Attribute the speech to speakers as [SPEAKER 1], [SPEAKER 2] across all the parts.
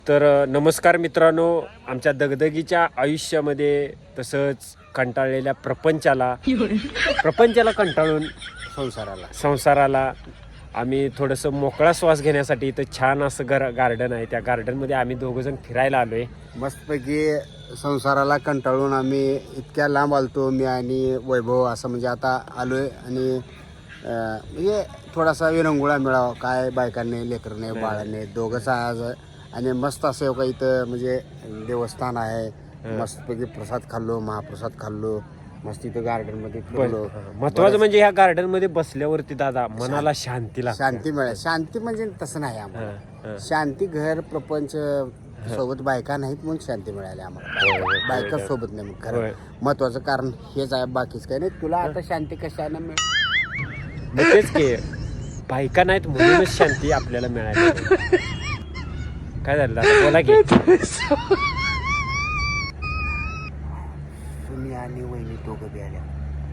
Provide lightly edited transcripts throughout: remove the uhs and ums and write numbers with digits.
[SPEAKER 1] तर नमस्कार मित्रांनो, आमच्या दगदगीच्या आयुष्यामध्ये तसंच कंटाळलेल्या प्रपंचाला कंटाळून संसाराला आम्ही थोडंसं मोकळा श्वास घेण्यासाठी इथं छान असं गार्डन आहे. त्या गार्डनमध्ये आम्ही दोघंजण फिरायला आलो आहे.
[SPEAKER 2] मस्तपैकी संसाराला कंटाळून आम्ही इतक्या लांब आलतो, मी आणि वैभव असं म्हणजे आता आलो आहे. आणि म्हणजे थोडासा विरंगुळा मिळावा, काय बायकांनी लेकरने बाळांनी दोघंच आज. आणि मस्त असं का इथं म्हणजे देवस्थान आहे, मस्तपैकी प्रसाद खाल्लो, महाप्रसाद खाल्लो, मस्त इथं गार्डनमध्ये फिरलो.
[SPEAKER 1] महत्वाचं म्हणजे ह्या गार्डन मध्ये बसल्यावरती दादा मनाला शांती
[SPEAKER 2] मिळाली. शांती म्हणजे तसं नाही आम्हाला, शांती घर प्रपंच सोबत बायका नाहीत म्हणून शांती मिळाली आम्हाला. बायका सोबत नाही मग खरं महत्वाचं कारण हेच आहे, बाकीच काही नाही. तुला आता शांती कशाने मिळेल?
[SPEAKER 1] तेच की बायका नाहीत म्हणूनच शांती आपल्याला मिळाली. काय झालं दादा, बोला की.
[SPEAKER 2] तुम्ही आणि वहिनी दोघं बी आल्या.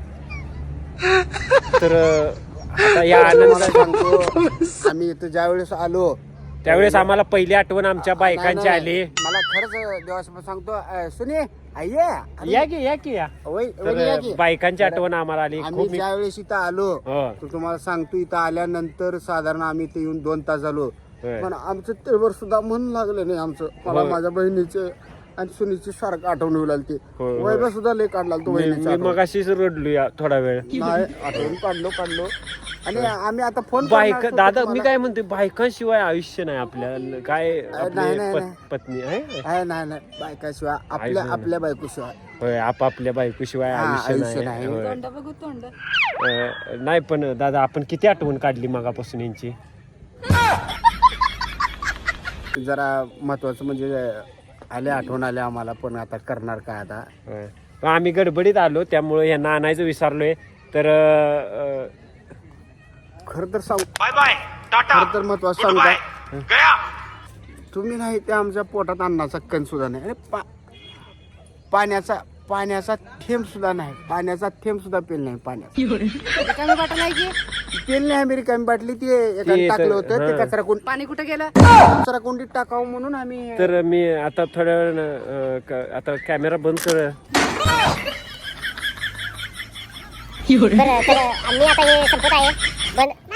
[SPEAKER 1] तर आता या आनंदात
[SPEAKER 2] सांगतो, आम्ही इथं ज्या वेळेस आलो
[SPEAKER 1] त्यावेळेस आम्हाला पहिली आठवण आमच्या बायकांची आली.
[SPEAKER 2] मला खरंच देवासमोर सांगतो, सुने
[SPEAKER 1] या की बायकांची आठवण आम्हाला आली.
[SPEAKER 2] आम्ही ज्या वेळेस इथं आलो
[SPEAKER 1] हो.
[SPEAKER 2] तर तुम्हाला सांगतो, इथं आल्यानंतर साधारण आम्ही इथे येऊन 2 तास झालो, पण आमचं तेवर सुद्धा मन लागलं नाही आमचं. मला माझ्या बहिणीचे आणि सुनीची सारखं आठवण येऊ लागली. वैभव सुद्धा लय काढला तो बहिणीचा.
[SPEAKER 1] मग अशीच रडलो या थोडा वेळ.
[SPEAKER 2] नाही, आठवण काढलो. आणि आम्ही आता फोन
[SPEAKER 1] बायका दादा मी काय म्हणते, बायकांशिवाय आयुष्य नाही आपल्याला. काय पत्नी आहे
[SPEAKER 2] नाही बायकाशिवाय आपल्या बायकोशिवाय,
[SPEAKER 1] होय, आपापल्या बायकोशिवाय आयुष्य नाही. नाही पण दादा आपण किती आठवण काढली मगापासून यांची.
[SPEAKER 2] जरा महत्वाचं म्हणजे आठवण आल्या आम्हाला, पण आता करणार काय आता.
[SPEAKER 1] पण आम्ही गडबडीत आलो त्यामुळे यांना आणायचं विसरलोय. तर
[SPEAKER 2] खरं तर महत्वाचं सांगू का, तुम्ही नाही ते आमच्या पोटात अन्नाचा कण सुद्धा नाही, आणि पाण्याचा थेंब सुद्धा नाही, पाण्याचा थेंब सुद्धा पेल नाही. पेल नाही आम्ही रिकामी बाटली ती एकाने टाकलं होतं, ते कचरा कोण पाणी कुठे गेलं, कचरा कोंडीत टाकावं म्हणून आम्ही.
[SPEAKER 1] तर मी आता थोड्या वेळ आता कॅमेरा बंद कर.
[SPEAKER 3] आम्ही आता हे संपत आहे.